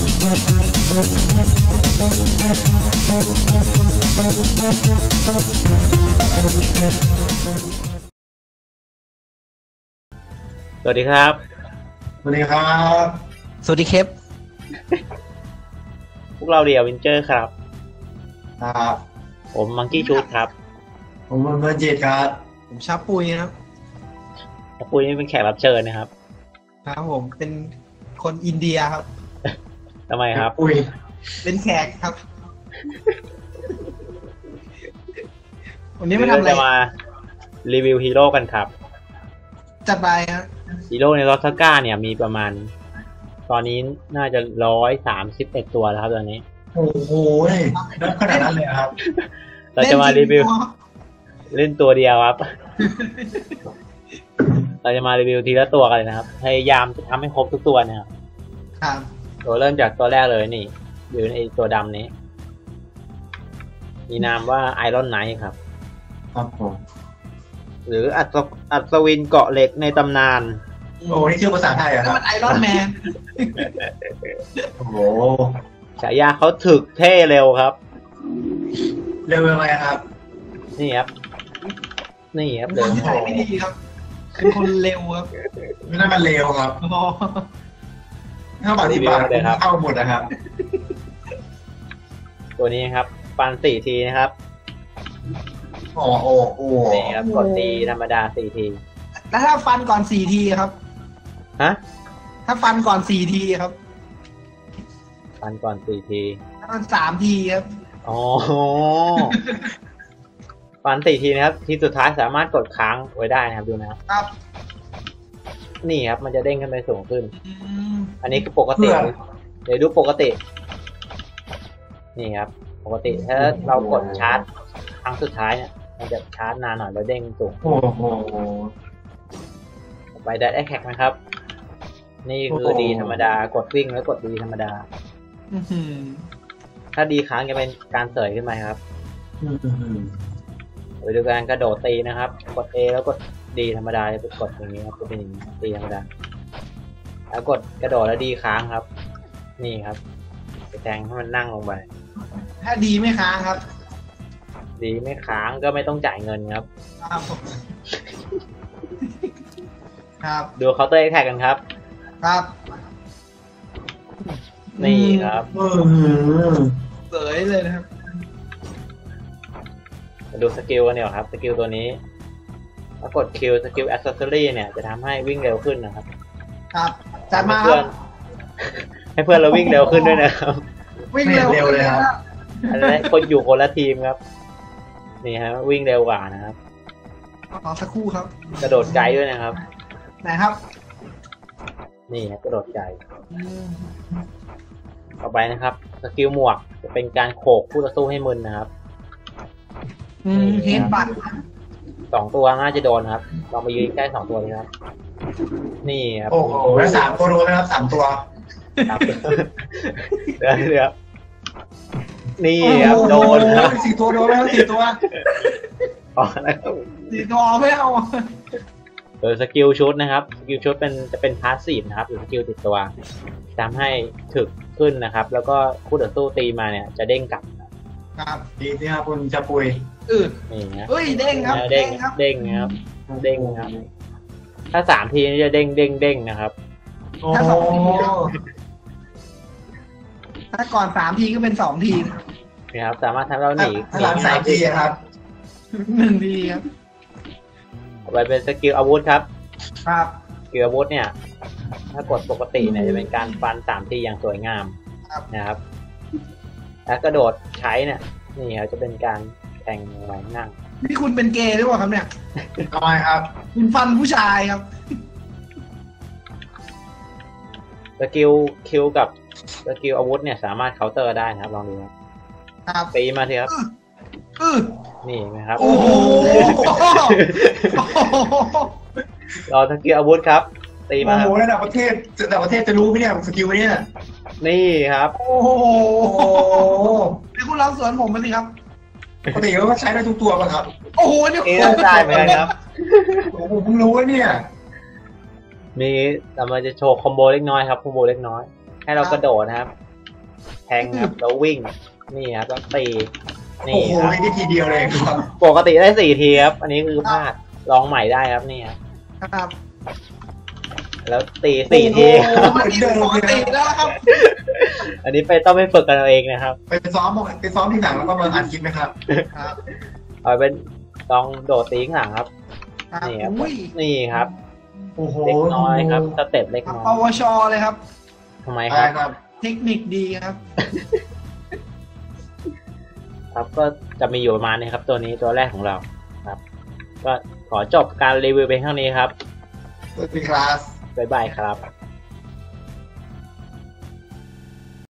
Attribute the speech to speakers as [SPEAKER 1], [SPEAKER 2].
[SPEAKER 1] สวัสดีครับ
[SPEAKER 2] สวัสดีครับ
[SPEAKER 3] สวัสดีครับ
[SPEAKER 1] พวกเราเดียวินเจอร์ครับ
[SPEAKER 2] ครับ
[SPEAKER 1] ผมมังกี้ชูดครับ
[SPEAKER 2] ผมเบอร์จิตครับ
[SPEAKER 3] ผมชาปุยครับ
[SPEAKER 1] ชาปุยนี่เป็นแขกรับเชิญนะครับ
[SPEAKER 3] ครับผมเป็นคนอินเดียครับ
[SPEAKER 1] ทำไมครับ
[SPEAKER 2] ปุย
[SPEAKER 3] เป็นแขกครับวันนี้มาทำอะไร
[SPEAKER 1] จะมารีวิวฮีโร่กันครับ
[SPEAKER 3] จัดไปครับ
[SPEAKER 1] ฮีโร่ในลอสซาก้าเนี่ยมีประมาณตอนนี้น่าจะ131ตัวแล้วครับตอนนี้
[SPEAKER 2] โอ้โหนับขนาดนั้นเลยครับ
[SPEAKER 1] เราจะมารีวิวเล่นตัวเดียวครับเราจะมารีวิวทีละตัวกันเลยนะครับพยายามจะทำให้ครบทุกตัวนะครับ
[SPEAKER 3] ครับ
[SPEAKER 1] ตัวเริ่มจากตัวแรกเลยนี่อยู่ในตัวดำนี้มีนามว่าไอรอนไนท์ครับ
[SPEAKER 2] ครับผม
[SPEAKER 1] หรืออัศวินเกาะเหล็กในตำนาน
[SPEAKER 2] โอ้นี่ชื่อภาษาไทยเหรอครับ
[SPEAKER 3] มันไอรอนแมน
[SPEAKER 2] โอ้โห
[SPEAKER 1] ฉายาเขาถึกเท่เร็วครับ
[SPEAKER 2] เร็วยังไงครับ
[SPEAKER 1] นี่ครับนี่ครับ
[SPEAKER 3] เร็วไม่ดีครับเป็นคนเร็วครับ
[SPEAKER 2] ไม่น่ามันเร็วครับถ้าปฏิบัติเข้าหมดนะครับ
[SPEAKER 1] ตัวนี้ครับฟัน4 ทีนะครับ
[SPEAKER 2] โอ้โห
[SPEAKER 1] นี่ครับกดตีธรรมดา4 ที
[SPEAKER 3] แล้วถ้าฟันก่อน4 ทีครับ
[SPEAKER 1] ฮะ
[SPEAKER 3] ถ้าฟันก่อน4 ทีครับ
[SPEAKER 1] ฟันก่อน4 ที
[SPEAKER 3] ถ้ามัน3 ทีครับ
[SPEAKER 1] อ๋อฟัน4 ทีนะครับทีสุดท้ายสามารถกดค้างไว้ได้นะครับดูนะครับนี่ครับมันจะเด้งขึ้นไปสูงขึ้นอันนี้คือปกติเดี๋ยวดูปกตินี่ครับปกติถ้าเรากดชาร์จครั้งสุดท้ายเนี่ยมันจะชาร์จนานหน่อยแล้วเด้งสูง
[SPEAKER 2] โอ้โห
[SPEAKER 1] ไปได้แอคแท็กนะครับนี่คือดีธรรมดากดวิ่งแล้วกดดีธรรมดาถ้าดีค้างจะเป็นการเสยขึ้นมาครับไปดูการกระโดดตีนะครับกด A แล้วกดดีธรรมดาจะกดอย่างนี้ครับจะเป็นอย่างนี้ตีธรรมดาแล้วกดกระโดดแล้วดีค้างครับนี่ครับไปแทงให้มันนั่งลงไป
[SPEAKER 3] ถ้าดีไม่ค้างครับ
[SPEAKER 1] ดีไม่ค้างก็ไม่ต้องจ่ายเงินครับ
[SPEAKER 3] ครับ
[SPEAKER 1] ดูเคาน์เตอร์แอคแท็กกันครับ
[SPEAKER 3] ครับ
[SPEAKER 1] นี่ครับ
[SPEAKER 3] เสยเลยนะครับ
[SPEAKER 1] มาดูสกิลกันเนี่ยครับสกิลตัวนี้ถ้ากดคิวสกิลแอคเซสซอรี่เนี่ยจะทำให้วิ่งเร็วขึ้นนะครับ
[SPEAKER 3] ครับจัดมา
[SPEAKER 1] ให้เพื่อนเราวิ่งเร็วขึ้นด้วยนะครับ
[SPEAKER 3] วิ่งเร็วเลยครับ
[SPEAKER 1] อันนี้คนอยู่คนละทีมครับนี่ฮะวิ่งเร็วกว่านะครับ
[SPEAKER 3] สักครู่ครับ
[SPEAKER 1] กระโดดไกลด้วยนะครับ
[SPEAKER 3] ไหนครับ
[SPEAKER 1] นี่ครับกระโดดไกลต่อไปนะครับสกิลหมวกจะเป็นการโขกคู่ต่อสู้ให้มึนนะครับ
[SPEAKER 3] เฮดบัต
[SPEAKER 1] 2 ตัวน่าจะโดนครับลองไปยืนใกล้2 ตัวนี้ครับนี่ครับ
[SPEAKER 2] โอ้โหแล้ว3 ตัวโดนไหมครับ3 ตัว
[SPEAKER 1] ครับเดี๋ยวนี่ครับโดนครับ
[SPEAKER 2] 4 ตัวโดนไหมครับ4 ตัว
[SPEAKER 1] อ๋อนะครับ
[SPEAKER 3] 4 ตัวไม่เอา
[SPEAKER 1] สกิลชุดนะครับสกิลชุดจะเป็นพาสซีฟนะครับหรือสกิลติดตัวทำให้ถึกขึ้นนะครับแล้วก็คู่ต่อสู้ตีมาเนี่ยจะเด้งกลับ
[SPEAKER 3] ครับ
[SPEAKER 2] ดีนี่ครับคุณจะปุย
[SPEAKER 1] นี่นะ
[SPEAKER 3] เฮ้ยเด้งครับ
[SPEAKER 1] เด้งครับเด้งครับถ้า3 ทีจะเด้งนะครับ
[SPEAKER 3] ถ้า2 ทีถ้าก่อน3 ทีก็เป็น2 ที
[SPEAKER 1] นะครับสามารถทำเราหนี
[SPEAKER 2] 3 ทีครับ
[SPEAKER 3] 1 ทีครับ
[SPEAKER 1] ไปเป็นสกิลอาวุธครับ
[SPEAKER 3] ครับ
[SPEAKER 1] สกิลอาวุธเนี่ยถ้ากดปกติเนี่ยจะเป็นการฟัน3 ทีอย่างสวยงามนะครับแล้วกระโดดใช้เนี่ยนี่ครับจะเป็นการแทงไว้นั่ง
[SPEAKER 3] นี่คุณเป็นเกย์หรือเปล่าครับเนี่ย
[SPEAKER 2] ทำไมครับ
[SPEAKER 3] คุณฟันผู้ชายครับ
[SPEAKER 1] สกิลคิวกับสกิลอาวุธเนี่ยสามารถเคาน์เตอร์ได้นะครับลองดูครับตีมาทีครับนี่นะครับ
[SPEAKER 3] โอ้โห
[SPEAKER 1] รอสกิลอาวุธครับตีมา
[SPEAKER 2] โอ้โหระดับประเทศจะรู้ไหมเนี่ยสกิลเนี่ย
[SPEAKER 1] นี่ครับ
[SPEAKER 3] โอ้โหนี่คุณลองสวนผมมาสิครับ
[SPEAKER 2] ปกติก็ใช้ได้ทุกตัวป่ะครับ
[SPEAKER 3] โอ้โหนี่
[SPEAKER 1] ได้เหมือนกันครับ
[SPEAKER 2] ผมเพิ่งรู้ว่าเนี่ย
[SPEAKER 1] มีแต่มันจะโชว์คอมโบเล็กน้อยครับคอมโบเล็กน้อยให้เรากระโดดนะครับแทงครับแล้ววิ่งนี่ครับแล้วตี
[SPEAKER 2] โอ้
[SPEAKER 1] นี่
[SPEAKER 2] โห
[SPEAKER 1] ครับ
[SPEAKER 2] นี่ทีเดียวเลยครับ
[SPEAKER 1] ปกติได้4 ทีครับอันนี้คือพลาดลองใหม่ได้ครับนี่ครับ
[SPEAKER 3] ครับ
[SPEAKER 1] แล้วตี4 ที
[SPEAKER 3] โอ้โหมันนี่ปกติแล้วครับ
[SPEAKER 1] อันนี้ต้องไปฝึกกันเอาเองนะครับ
[SPEAKER 2] ไปซ้อมที่หนังแล้วก็มาอัดคลิปไหมครับ
[SPEAKER 3] ครับ
[SPEAKER 1] เอาเป็นลองโดดตีข้างหลังครับ
[SPEAKER 3] ครับ
[SPEAKER 1] นี่ครับ
[SPEAKER 3] อุ้ย
[SPEAKER 1] นี่ครับ
[SPEAKER 2] โอ้โห
[SPEAKER 1] เล็กน้อยครับสเต็ปเล็กน้อย
[SPEAKER 3] ปวชเลยครับ
[SPEAKER 1] ทำไม
[SPEAKER 2] ใช่
[SPEAKER 1] ครับ
[SPEAKER 2] ครับ
[SPEAKER 3] เทคนิคดีครับ
[SPEAKER 1] ครับก็จะมีอยู่ประมาณนี้ครับ ตัวนี้ตัวแรกของเราครับ ก็ขอจบการรีวิวไปเท่านี้ครับ
[SPEAKER 2] สวัสดีครับ
[SPEAKER 1] บ๊ายบายครับ